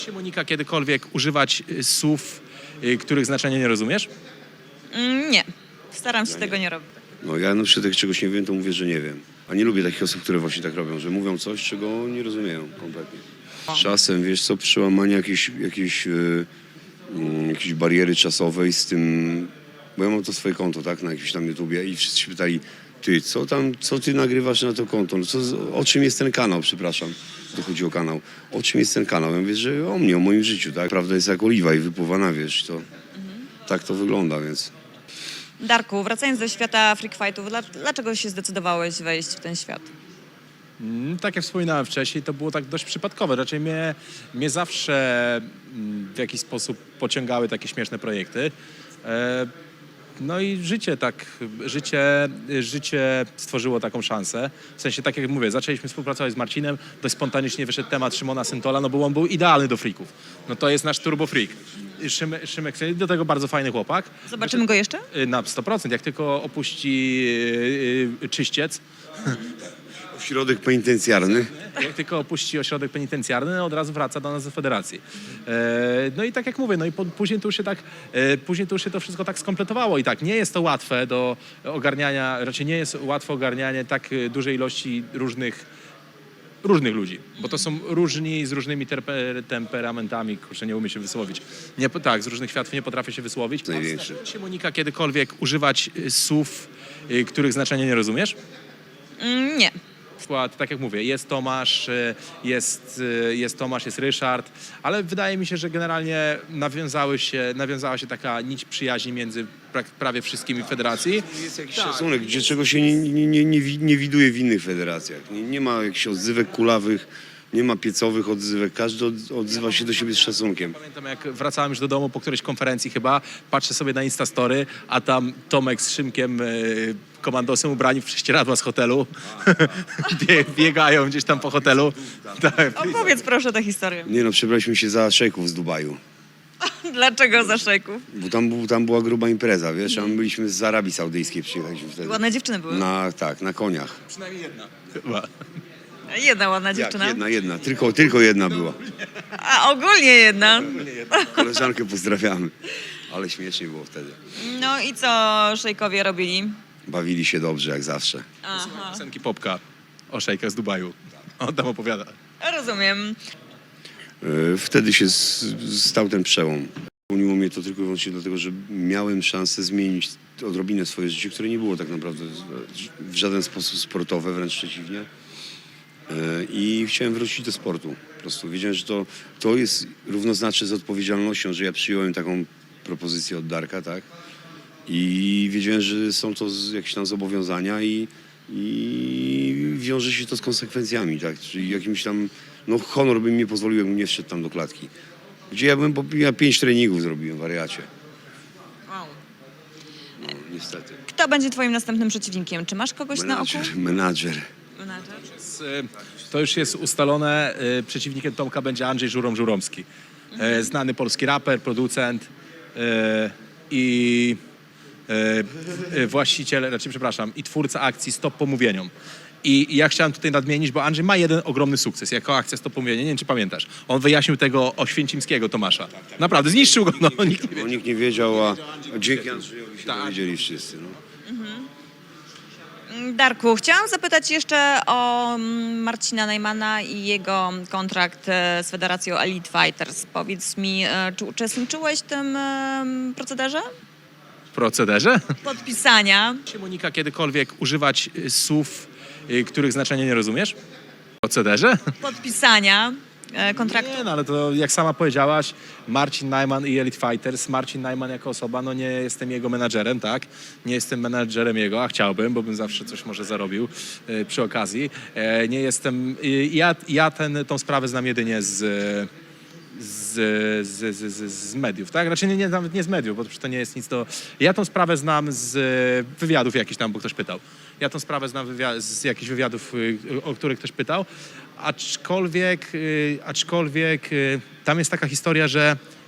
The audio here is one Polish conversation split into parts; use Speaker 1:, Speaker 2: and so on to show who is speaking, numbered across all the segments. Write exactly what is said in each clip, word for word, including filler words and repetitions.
Speaker 1: Czy Monika kiedykolwiek używać y, słów, y, których znaczenia nie rozumiesz?
Speaker 2: Mm, Nie, staram się tego nie robić.
Speaker 3: No ja na przykład jak czegoś nie wiem, to mówię, że nie wiem. A nie lubię takich osób, które właśnie tak robią, że mówią coś, czego nie rozumieją kompletnie. Z czasem, wiesz co, przełamanie jakiejś, jakiejś, yy, yy, jakiejś bariery czasowej z tym, bo ja mam to swoje konto, tak, na jakimś tam YouTubie i wszyscy się pytali, ty, co tam, co ty nagrywasz na to konto? No co, z- o czym jest ten kanał, przepraszam, to chodzi o kanał. O czym jest ten kanał? Ja mówię, że o mnie, o moim życiu, tak. Prawda jest jak oliwa i wypływa wiesz, to tak to wygląda, więc...
Speaker 2: Darku, wracając do świata freak fightów, dla- dlaczego się zdecydowałeś wejść w ten świat?
Speaker 1: Mm, Tak jak wspominałem wcześniej, to było tak dość przypadkowe. Raczej mnie, mnie zawsze mm, w jakiś sposób pociągały takie śmieszne projekty. E, No i życie tak, życie, życie stworzyło taką szansę. W sensie, tak jak mówię, zaczęliśmy współpracować z Marcinem, dość spontanicznie wyszedł temat Szymona Syntola, no bo on był idealny do freaków. No to jest nasz turbo freak. Szymek, Szymek do tego bardzo fajny chłopak.
Speaker 2: Zobaczymy go jeszcze?
Speaker 1: Y, Na sto procent, jak tylko opuści y, y, czyściec,
Speaker 3: Ośrodek penitencjarny.
Speaker 1: jak tylko opuści ośrodek penitencjarny, od razu wraca do nas do federacji. E, no i tak jak mówię, no i po, później, to już się tak, e, później to już się to wszystko tak skompletowało i tak, nie jest to łatwe do ogarniania, raczej nie jest łatwe ogarnianie tak e, dużej ilości różnych różnych ludzi, bo to są różni z różnymi terpe, temperamentami, kurczę, nie umiem się wysłowić. Nie, po- tak, z różnych światów nie potrafię się wysłowić.
Speaker 3: Największy.
Speaker 1: Czy Monika kiedykolwiek używać y, słów, y, których znaczenia nie rozumiesz?
Speaker 2: Mm, Nie.
Speaker 1: Przykład, tak jak mówię, jest Tomasz, y, jest, y, jest Tomasz, jest Ryszard, ale wydaje mi się, że generalnie nawiązały się, nawiązała się taka nić przyjaźni między prak- prawie wszystkimi w federacji.
Speaker 3: Jest jakiś szacunek, gdzie czego się nie, nie, nie, nie, wi- nie widuje w innych federacjach. Nie, nie ma jakichś odzywek kulawych, nie ma piecowych odzywek. Każdy od, odzywa się do siebie z szacunkiem.
Speaker 1: Pamiętam, jak wracałem już do domu po którejś konferencji chyba, patrzę sobie na Instastory, a tam Tomek z Szymkiem, y, komandosem ubrani w prześcieradła z hotelu, Bie, biegają gdzieś tam po hotelu. Tak.
Speaker 2: Opowiedz proszę tę historię.
Speaker 3: Nie no, przebraliśmy się za szejków z Dubaju.
Speaker 2: Dlaczego za szejków?
Speaker 3: Bo tam, był, tam była gruba impreza, wiesz, a my byliśmy z Arabii Saudyjskiej, przyjechaliśmy wtedy.
Speaker 2: Ładne dziewczyny były.
Speaker 3: Na, tak, na koniach.
Speaker 1: Przynajmniej jedna. Chyba.
Speaker 2: Jedna ładna
Speaker 3: Jak,
Speaker 2: dziewczyna.
Speaker 3: jedna, jedna, tylko, tylko jedna była.
Speaker 2: A ogólnie jedna.
Speaker 3: Koleżankę pozdrawiamy. Ale śmiesznie było wtedy.
Speaker 2: No i co szejkowie robili?
Speaker 3: Bawili się dobrze, jak zawsze.
Speaker 2: Aha,
Speaker 1: Piosenki Popka o szejkach z Dubaju. On tam opowiada.
Speaker 2: rozumiem.
Speaker 3: E, Wtedy się s- stał ten przełom. Spełniło mnie to tylko i wyłącznie dlatego, że miałem szansę zmienić odrobinę swoje życie, które nie było tak naprawdę w żaden sposób sportowe, wręcz przeciwnie. E, I chciałem wrócić do sportu. Po prostu wiedziałem, że to, to jest równoznaczne z odpowiedzialnością, że ja przyjąłem taką propozycję od Darka, tak? I wiedziałem, że są to z- jakieś tam zobowiązania i, i wiąże się to z konsekwencjami, tak? Czyli jakimś tam, no honor by mi nie pozwolił, jakbym nie wszedł tam do klatki. Gdzie ja bym, po- ja pięć treningów zrobiłem, wariacie.
Speaker 2: Wow.
Speaker 3: No, niestety.
Speaker 2: Kto będzie twoim następnym przeciwnikiem? Czy masz kogoś na oku?
Speaker 3: Menadżer, menadżer.
Speaker 2: Menadżer.
Speaker 1: Z, y, To już jest ustalone. y, Przeciwnikiem Tomka będzie Andrzej Żurom-Żuromski. Y, Znany polski raper, producent y, i y, y, właściciel, znaczy przepraszam, i twórca akcji Stop Pomówieniom. I ja chciałem tutaj nadmienić, bo Andrzej ma jeden ogromny sukces jako akcja Stop Pomówienia. Nie wiem, czy pamiętasz. On wyjaśnił tego Oświęcimskiego Tomasza. Naprawdę, zniszczył go. No, nikt nie
Speaker 3: Bo
Speaker 1: wie.
Speaker 3: nikt nie wiedział, a a dzięki Andrzejowi się
Speaker 1: Tak.
Speaker 3: dowiedzieli wszyscy. No.
Speaker 2: Darku, chciałam zapytać jeszcze o mm, Marcina Najmana i jego kontrakt e, z Federacją Elite Fighters. Powiedz mi, e, czy uczestniczyłeś w tym em, procederze?
Speaker 1: W procederze?
Speaker 2: Podpisania.
Speaker 1: Czy Monika kiedykolwiek używać y, słów, y, których znaczenia nie rozumiesz? W procederze?
Speaker 2: Podpisania e, kontraktu.
Speaker 1: Nie, no ale to jak sama powiedziałaś, Marcin Najman i Elite Fighters. Marcin Najman jako osoba, no nie jestem jego menadżerem, tak? Nie jestem menadżerem jego, a chciałbym, bo bym zawsze coś może zarobił e, przy okazji. E, nie jestem, e, ja, ja ten, tą sprawę znam jedynie z, z, z, z, z, z mediów, tak? Raczej nie, nie, nawet nie z mediów, bo to nie jest nic do... Ja tą sprawę znam z wywiadów jakichś tam, bo ktoś pytał. Ja tą sprawę znam wywia- z jakichś wywiadów, y, o których ktoś pytał. Aczkolwiek, y, aczkolwiek y, tam jest taka historia, że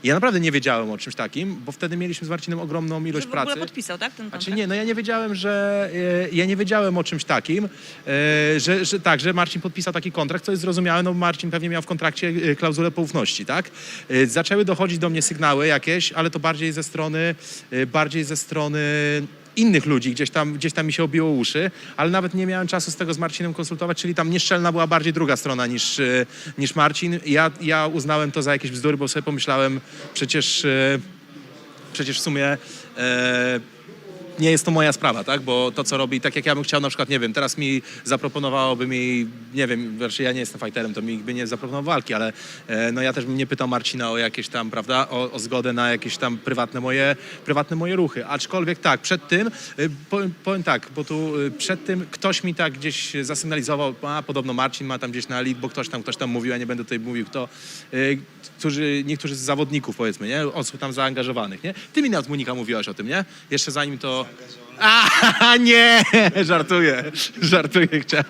Speaker 1: Ja naprawdę nie wiedziałem o czymś takim, bo wtedy mieliśmy z Marcinem ogromną ilość
Speaker 2: Że w
Speaker 1: pracy.
Speaker 2: ogóle podpisał, tak, ten kontrakt?
Speaker 1: Znaczy nie, no ja nie wiedziałem, że e, ja nie wiedziałem o czymś takim, e, że, że tak, że Marcin podpisał taki kontrakt, co jest zrozumiałe, no Marcin pewnie miał w kontrakcie e, klauzulę poufności, tak? E, zaczęły dochodzić do mnie sygnały jakieś, ale to bardziej ze strony, e, bardziej ze strony innych ludzi, gdzieś tam, gdzieś tam mi się obiło uszy, ale nawet nie miałem czasu z tego z Marcinem konsultować, czyli tam nieszczelna była bardziej druga strona niż, e, niż Marcin. Ja, ja uznałem to za jakieś bzdury, bo sobie pomyślałem, przecież, e, przecież w sumie e, nie jest to moja sprawa, tak? Bo to, co robi, tak jak ja bym chciał, na przykład, nie wiem, teraz mi zaproponowałoby mi, nie wiem, znaczy ja nie jestem fighterem, to mi by nie zaproponował walki, ale e, no ja też bym nie pytał Marcina o jakieś tam, prawda, o, o zgodę na jakieś tam prywatne moje, prywatne moje ruchy. Aczkolwiek tak, przed tym, e, powiem, powiem tak, bo tu e, przed tym ktoś mi tak gdzieś zasygnalizował, a podobno Marcin ma tam gdzieś na elite, bo ktoś tam, ktoś tam mówił, ja nie będę tutaj mówił kto, e, którzy, niektórzy z zawodników, powiedzmy, nie? Osób tam zaangażowanych, nie? Ty mi nawet, Monika, mówiłaś o tym, nie? Jeszcze zanim to... A nie, żartuję, żartuję, chciałem.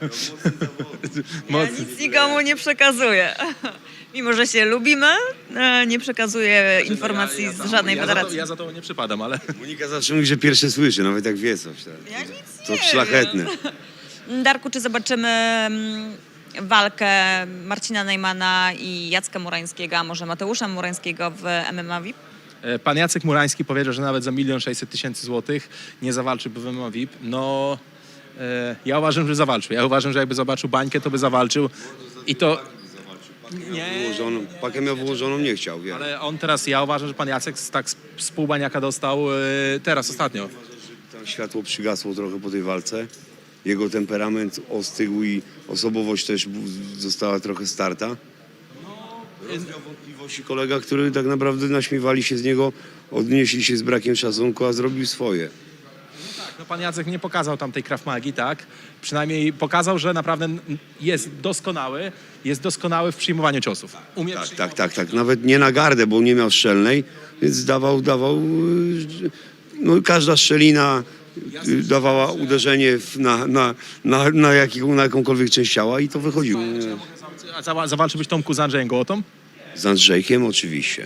Speaker 2: Ja nic nikomu nie przekazuję. Mimo, że się lubimy, e, nie przekazuję informacji
Speaker 1: Ja- ja
Speaker 2: z
Speaker 1: tam-
Speaker 2: żadnej
Speaker 1: ja za to-
Speaker 2: federacji.
Speaker 1: Ja za to nie przypadam, ale...
Speaker 3: Monika zawsze mówi, że pierwsze słyszy, nawet jak wie coś. Tak.
Speaker 2: Ja nic
Speaker 3: To
Speaker 2: nie
Speaker 3: szlachetne.
Speaker 2: wiem. Darku, czy zobaczymy mm, walkę Marcina Najmana i Jacka Murańskiego, a może Mateusza Murańskiego w M M A V I P?
Speaker 1: E, Pan Jacek Murański powiedział, że nawet za milion sześćset tysięcy złotych nie zawalczyłby w M M A V I P. No, e, ja uważam, że zawalczył. Ja uważam, że jakby zobaczył bańkę, to by zawalczył. I to... Nie,
Speaker 3: Wyłożoną, pakę miał wyłożoną, nie chciał, wie.
Speaker 1: ale on teraz, ja uważam, że pan Jacek z- tak z, z pół baniaka dostał e, teraz, ostatnio.
Speaker 3: Tam światło przygasło trochę po tej walce. Jego temperament ostygł i osobowość też bu- została trochę starta. Rozwiał wątpliwości kolega, który tak naprawdę naśmiewali się z niego, odnieśli się z brakiem szacunku, a zrobił swoje.
Speaker 1: No, pan Jacek nie pokazał tam tej Krav Magi, tak? Przynajmniej pokazał, że naprawdę jest doskonały, jest doskonały w przyjmowaniu ciosów. Umie
Speaker 3: Tak,
Speaker 1: przyjmować.
Speaker 3: tak, tak, tak. Nawet nie na gardę, bo nie miał strzelnej, więc dawał, dawał, yy, no każda szczelina yy, dawała uderzenie w- na, na, na, na, jakiego, na jakąkolwiek część ciała i to wychodziło.
Speaker 1: A zawa- zawalczyłbyś Tomku z Andrzejem Gołotą?
Speaker 3: Z Andrzejkiem oczywiście.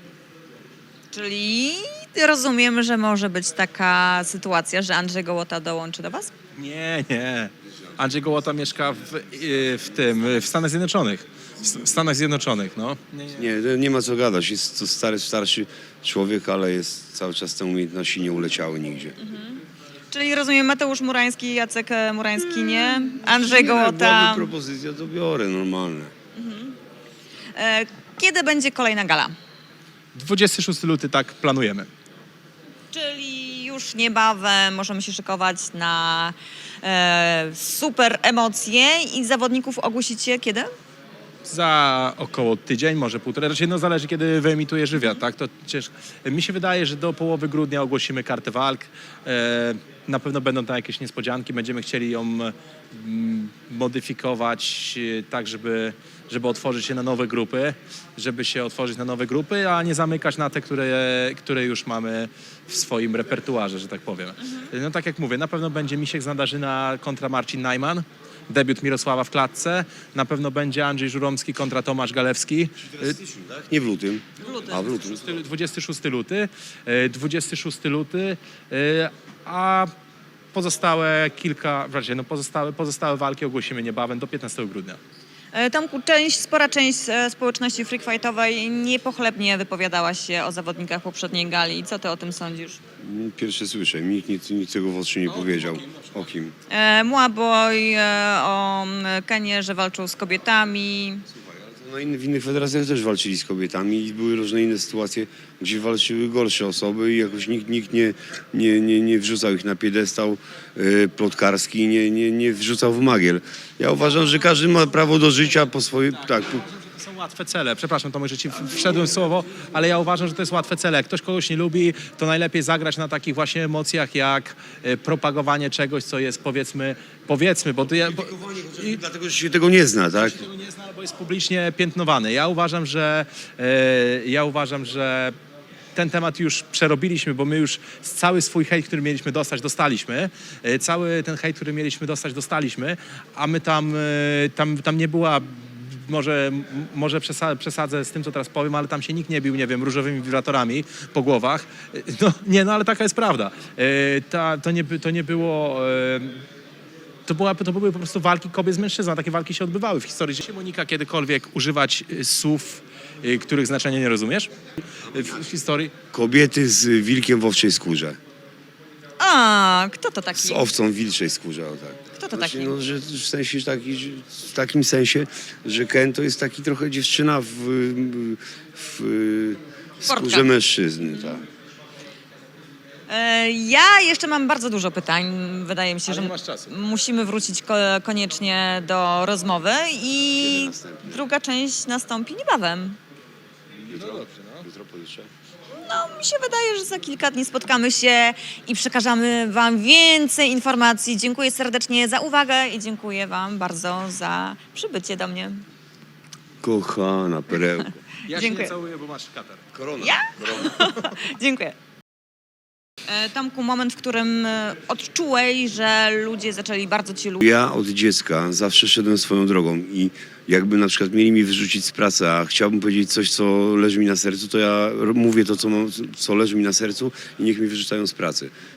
Speaker 2: Czyli rozumiem, że może być taka sytuacja, że Andrzej Gołota dołączy do was?
Speaker 1: Nie, nie. Andrzej Gołota mieszka w, y, w tym, w Stanach Zjednoczonych. W Stanach Zjednoczonych, no. Nie, nie.
Speaker 3: Nie, nie ma co gadać. Jest to stary, starszy człowiek, ale jest cały czas te umiejętności nie uleciały nigdzie.
Speaker 2: Czyli rozumiem Mateusz Murański, Jacek e, Murański nie, Andrzej
Speaker 3: Nie,
Speaker 2: Gołota.
Speaker 3: byłaby propozycja, to biorę, normalne.
Speaker 2: E, Kiedy będzie kolejna gala?
Speaker 1: dwudziestego szóstego lutego tak planujemy.
Speaker 2: Czyli już niebawem możemy się szykować na e, super emocje i zawodników ogłosicie kiedy?
Speaker 1: Za około tydzień, może półtora. Raczej no zależy, kiedy wyemitujesz wywiad, tak? To ciężko. Mi się wydaje, że do połowy grudnia ogłosimy kartę walk. E, na pewno będą tam jakieś niespodzianki. Będziemy chcieli ją mm, modyfikować e, tak, żeby, żeby otworzyć się na nowe grupy, żeby się otworzyć na nowe grupy, a nie zamykać na te, które, które już mamy w swoim repertuarze, że tak powiem. No tak jak mówię, na pewno będzie Misiek z Nadarzyna kontra Marcin Najman. Debiut Mirosława w klatce. Na pewno będzie Andrzej Żuromski kontra Tomasz Galewski.
Speaker 3: Nie w lutym.
Speaker 2: W lutym.
Speaker 3: A w lutym.
Speaker 1: dwudziestego szóstego luty. e, dwudziestego szóstego luty. e, A pozostałe kilka, raczej no pozostałe, pozostałe walki ogłosimy niebawem do piętnastego grudnia.
Speaker 2: E, Tomku, część, spora część e, społeczności freakfightowej niepochlebnie wypowiadała się o zawodnikach poprzedniej gali. Co ty o tym sądzisz?
Speaker 3: Pierwsze słyszę. Nikt nic, nic tego w oczy nie powiedział. O kim?
Speaker 2: E, Muaboy, e, o m, Kenie, że walczył z kobietami.
Speaker 3: No inny, w innych federacjach też walczyli z kobietami i były różne inne sytuacje, gdzie walczyły gorsze osoby i jakoś nikt, nikt nie, nie, nie, nie wrzucał ich na piedestał e, plotkarski, nie, nie, nie wrzucał w magiel. Ja uważam, że każdy ma prawo do życia po swojej... Tak, po,
Speaker 1: To są łatwe cele. Przepraszam, Tomek, że ci wszedłem w słowo, ale ja uważam, że to jest łatwe cele. Jak ktoś kogoś nie lubi, to najlepiej zagrać na takich właśnie emocjach, jak e, propagowanie czegoś, co jest powiedzmy, powiedzmy, bo to ja... Bo, i,
Speaker 3: dlatego, że się tego nie zna, tak?
Speaker 1: tego nie zna, bo jest publicznie piętnowany. Ja uważam, że e, ja uważam, że ten temat już przerobiliśmy, bo my już cały swój hejt, który mieliśmy dostać, dostaliśmy. E, Cały ten hejt, który mieliśmy dostać, dostaliśmy, a my tam, e, tam, tam nie była może, m- może przesa- przesadzę z tym, co teraz powiem, ale tam się nikt nie bił, nie wiem, różowymi wibratorami po głowach. E, No nie, no ale taka jest prawda. E, ta, to, nie, by- to nie było... E, to, była, to były po prostu walki kobiet z mężczyzną. Takie walki się odbywały w historii. Czy Monika kiedykolwiek używać y, słów, y, których znaczenia nie rozumiesz? Y, W, w historii?
Speaker 3: Kobiety z wilkiem w owczej skórze.
Speaker 2: A, kto to taki?
Speaker 3: Z owcą w wilczej skórze, o tak.
Speaker 2: Kto to
Speaker 3: Znaczy,
Speaker 2: taki?
Speaker 3: no, że w sensie taki, że- w takim sensie, że Ken to jest taki trochę dziewczyna w, w, w skórze
Speaker 2: Portka.
Speaker 3: mężczyzny, tak.
Speaker 2: E, Ja jeszcze mam bardzo dużo pytań. Wydaje mi się,
Speaker 1: Ale
Speaker 2: że
Speaker 1: nie masz czasu.
Speaker 2: musimy wrócić ko- koniecznie do rozmowy i
Speaker 3: Kiedy następnie?
Speaker 2: druga część nastąpi niebawem.
Speaker 3: Jutro, jutro pojutrze.
Speaker 2: No, mi się wydaje, że za kilka dni spotkamy się i przekażemy Wam więcej informacji. Dziękuję serdecznie za uwagę i dziękuję Wam bardzo za przybycie do mnie.
Speaker 3: Kochana perełko.
Speaker 1: Ja się
Speaker 2: Dziękuję.
Speaker 1: nie całuję, bo masz katar.
Speaker 3: Korona.
Speaker 2: Ja?
Speaker 3: Korona.
Speaker 2: Dziękuję. E, Tomku, moment, w którym e, odczułeś, że ludzie zaczęli bardzo Cię lubić.
Speaker 3: Ja od dziecka zawsze szedłem swoją drogą i jakby na przykład mieli mi wyrzucić z pracy, a chciałbym powiedzieć coś, co leży mi na sercu, to ja r- mówię to, co, mam, co leży mi na sercu i niech mi wyrzucają z pracy.